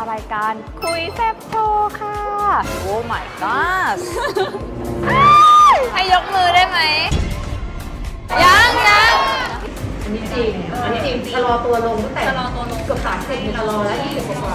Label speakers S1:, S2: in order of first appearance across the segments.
S1: ารายการคุยแซ่บโชว์ค่ะโอ้ my god ให้ยกมือได้ไหมยัง
S2: อันนี้จริงชะลอตัวลงตั้งแต่เกือบ30ชะลอแล้ว20กว่า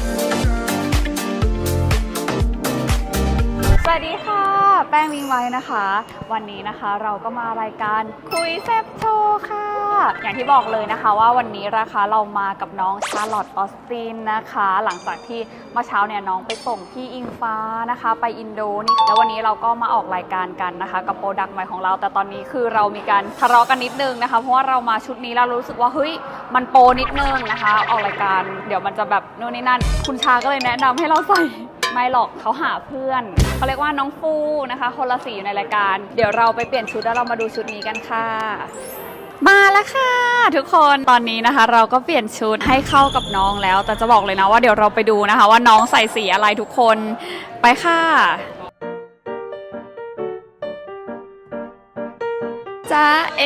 S1: สวัสดีค่ะแป้งวิงไว้นะคะ วันนี้นะคะเราก็มารายการคุยแซ่บโชว์ค่ะอย่างที่บอกเลยนะคะว่าวันนี้นะคะเรามากับน้องชาร์ลอตออสตินนะคะหลังจากที่เมื่อเช้าเนี่ยน้องไปส่งพี่อิงฟ้านะคะไปอินโดนี่แล้ววันนี้เราก็มาออกรายการกันนะคะกับโปรดักต์ใหม่ของเราแต่ตอนนี้คือเรามีการทะเลาะกันนิดนึงนะคะเพราะว่าเรามาชุดนี้แล้วรู้สึกว่าเฮ้ยมันโปรนิดนึงนะคะออกรายการเดี๋ยวมันจะแบบโน่นนี่นั่นคุณชาก็เลยแนะนำให้เราใส่ไม่หรอกเขาหาเพื่อนเขาเรียกว่าน้องฟูนะคะคนละสีอยู่ในรายการเดี๋ยวเราไปเปลี่ยนชุดแล้วเรามาดูชุดนี้กันค่ะมาแล้วค่ะทุกคนตอนนี้นะคะเราก็เปลี่ยนชุดให้เข้ากับน้องแล้วแต่จะบอกเลยนะว่าเดี๋ยวเราไปดูนะคะว่าน้องใส่สีอะไรทุกคนไปค่ะจ้าเอ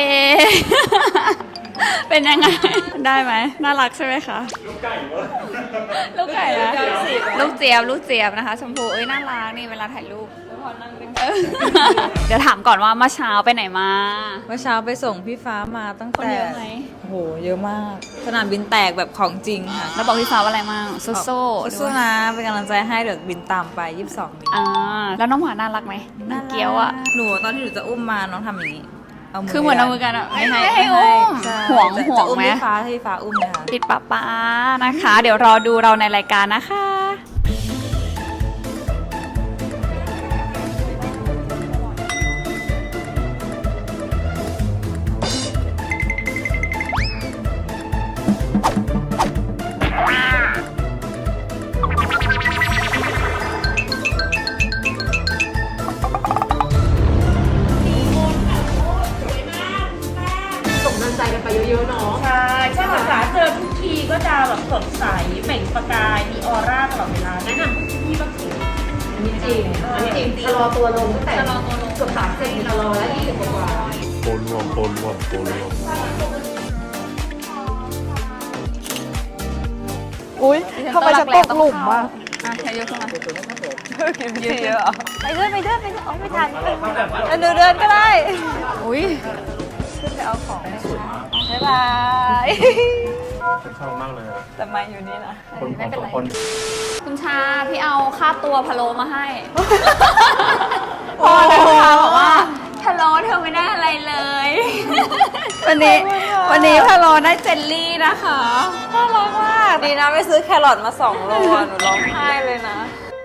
S1: เป็นยังไงได้ไหมน่ารักใช่ไหมคะลูกไก่ลูกไก่นะลูกเจี๊ยบนะคะชมพูเอ้ยน่ารักนี่เวลาถ่ายรูปเดี๋ยวถามก่อนว่าเมื่อเช้าไปไหนมา
S3: เมื่อเช้าไปส่งพี่ฟ้ามาตั้งแต่
S1: คนเยอะไหม
S3: โอ้โหเยอะมากสนามบินแตกแบบของจริงค่ะ
S1: แล้วบอกพี่ฟ้าว่าอะไรมั่ง
S3: สู้ๆนะเป็นกำลังใจให้เดี๋ยวบินตามไป22นี้
S1: แล้วน้องหมาน่ารักไหมน่าเกี้ยวอ่ะ
S3: หนูตอนที่หนูจะอุ้มมาน้องทำอย่างนี้
S1: คือเหมือนเอามือกันอ่ะ
S3: ไม่
S1: ให้อุ้มห่วง
S3: ไหมพี่ฟ้าอุ้มเลยค่ะ
S1: ติดป๊านะคะเดี๋ยวรอดูเราในรายการนะคะ
S2: ใจกันไปเยอะๆเนาะ
S4: ใช่ใช่ภาษาเจอทุกทีก็จะแบบสดใสเปล่งประกายมีออร่าตลอดเวลาแนะนำทุกที่บ้างสิ
S2: อันนี้จริงชะลอตัวลงตั้งแต่เกือบ30ชะลอแล้ว20กว่า
S5: โปรรวม
S1: อุ้ยทำไมจะตกหลุมอ่ะใช้เยอะขึ้นมา
S3: ยืดเยอะ
S1: ไปเดินไม่ทัน
S3: เดินก็ได้
S1: อุ้ยขึ้นไปเอาของบ๊ายบาย
S5: ชอบมากเลย
S3: แต่มาอยู่นี่นะ
S1: ไม่เป็นไรคุณชาพี่เอาค่าตัวพะโล้มาให้พอนะคะบอกว่าพะโล้เธอไม่ได้อะไรเลยวันนี้พะโล้ได้เจลลี่นะคะน่ารักมาก
S3: ดีนะไม่ซื้อแครอทมา2 โลหนูร้องไห้เลยนะ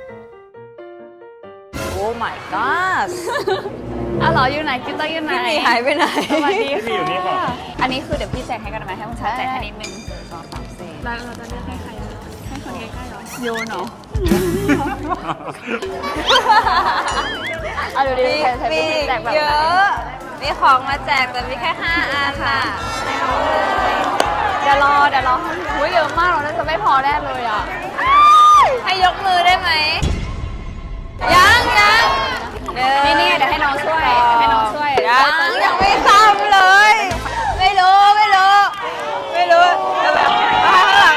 S3: โอ้ my god
S1: เหรออยู่ไหนกิ๊บต้องอยู่ไหน
S3: พี่หายไปไหน
S1: สวัสดีค่ะอันนี้คือเดี๋ยวพี่แจกให้กันไหมให้คุณชาแจกให้นิดนึง
S3: 2 3 4
S1: เราจะเลือกให้ใครให้คนใกล้ๆเหรอโยนเหรอเอาดูดิ
S3: มีเยอะมีของมาแจกแต่มีแค่5 อันค่ะ
S1: เดี๋ยวรอหุ้ยเยอะมากเราน่าจะไม่พอแน่เลยอ่ะ
S3: ให้ยกมือได้ไหมยัง
S1: นี่เดี๋ยวให้น้องช่วย
S3: ยังไม่ทำเลยไม่รู้แล้วแบบข้างหลัง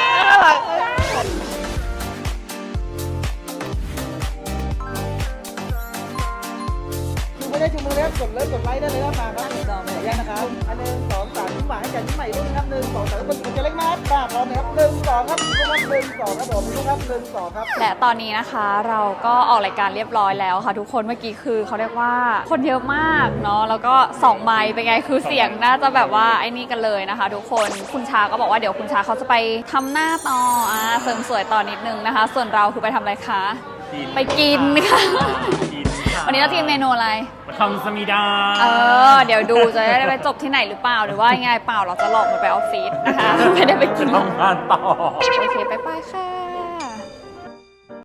S6: ชูมือแล้วกดไลค์ได้เลยครับมาครับยังนะครับ1 2 3ยิ้มหวานให้กันยิ้มใหม่ด้วยครับ1 2 3แล้วกดจะเล็กมากพร้อมนะครับ1 2ครับ1 2ครับผมครับ1 2ครับ
S1: และตอนนี้นะคะเราก็ออกรายการเรียบร้อยแล้วค่ะทุกคนเมื่อกี้คือเขาเรียกว่าคนเยอะมากเนาะแล้วก็2 ไมค์เป็นไงคือเสียงน่าจะแบบว่าไอ้นี่กันเลยนะคะทุกคนคุณชาก็บอกว่าเดี๋ยวคุณชาเขาจะไปทำหน้าต่อเสริมสวยต่อนิดนึงนะคะส่วนเราคือไปทำอะไรคะไปกินค่ะวันนี้เราจะกินเมนูอะไร
S5: ทำสมิดา
S1: เดี๋ยวดูจะได้ไปจบที่ไหนหรือเปล่าหรือว่ายังไงเปล่าเราจะหลอกมันไปออฟฟิศนะคะไม่ได้ไปกิน
S5: ทำงานต่อ
S1: โอเคไปค่ะ